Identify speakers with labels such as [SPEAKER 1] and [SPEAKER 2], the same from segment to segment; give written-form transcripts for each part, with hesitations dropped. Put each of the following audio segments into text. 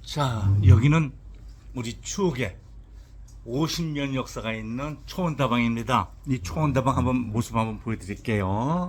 [SPEAKER 1] 자, 여기는 우리 추억의 50년 역사가 있는 초원다방입니다. 이 초원다방 모습 한번 보여드릴게요.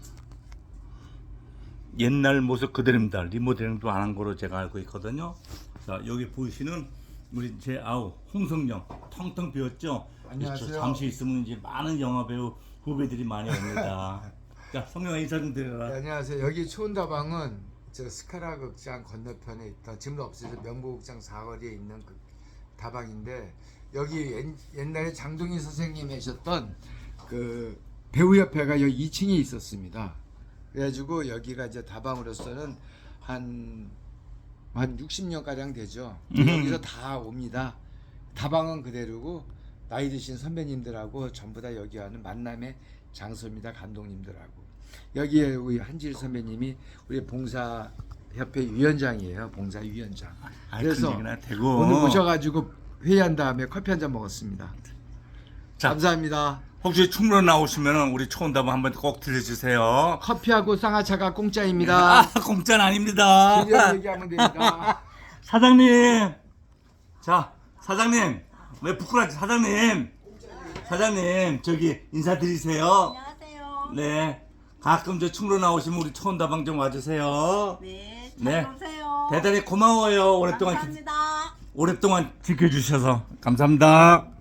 [SPEAKER 1] 옛날 모습 그대로입니다. 리모델링도 안 한 거로 제가 알고 있거든요. 자, 여기 보이시는 우리 제 아우 홍성령 텅텅 비었죠.
[SPEAKER 2] 안녕하세요.
[SPEAKER 1] 잠시 있으면 이제 많은 영화 배우 후배들이 많이 옵니다. 자, 성령아 인사 좀 드려라.
[SPEAKER 2] 네, 안녕하세요. 여기 초원다방은 저 스카라 극장 건너편에 있던 지금 없어서 명보극장 사거리에 있는 그 다방인데, 여기 옛날에 장동희 선생님 하셨던 그 배우협회가 여기 2층에 있었습니다. 그래가지고 여기가 이제 다방으로서는 한 60년 가량 되죠. 여기서 다 옵니다. 다방은 그대로고 나이 드신 선배님들하고 전부 다 여기 와는 만남의 장소입니다. 감독님들하고. 여기에 우리 한질 선배님이 우리 봉사협회 위원장이에요. 봉사위원장. 그래서 오늘 모셔가지고 회의한 다음에 커피 한 잔 먹었습니다.
[SPEAKER 1] 자,
[SPEAKER 2] 감사합니다.
[SPEAKER 1] 혹시 충무로 나오시면 우리 초원다방 한번 꼭 들려주세요.
[SPEAKER 2] 커피하고 쌍화차가 공짜입니다.
[SPEAKER 1] 아, 공짜는 아닙니다.
[SPEAKER 2] 그냥 얘기하면 됩니다.
[SPEAKER 1] 사장님, 자, 사장님, 왜 부끄러워하지? 사장님, 저기 인사드리세요.
[SPEAKER 3] 안녕하세요.
[SPEAKER 1] 네, 가끔 저 충무로 나오시면 우리 초원다방 좀 와주세요.
[SPEAKER 3] 네,
[SPEAKER 1] 네.
[SPEAKER 3] 잘 오세요.
[SPEAKER 1] 대단히 고마워요.
[SPEAKER 3] 감사합니다.
[SPEAKER 1] 오랫동안 지켜주셔서 감사합니다.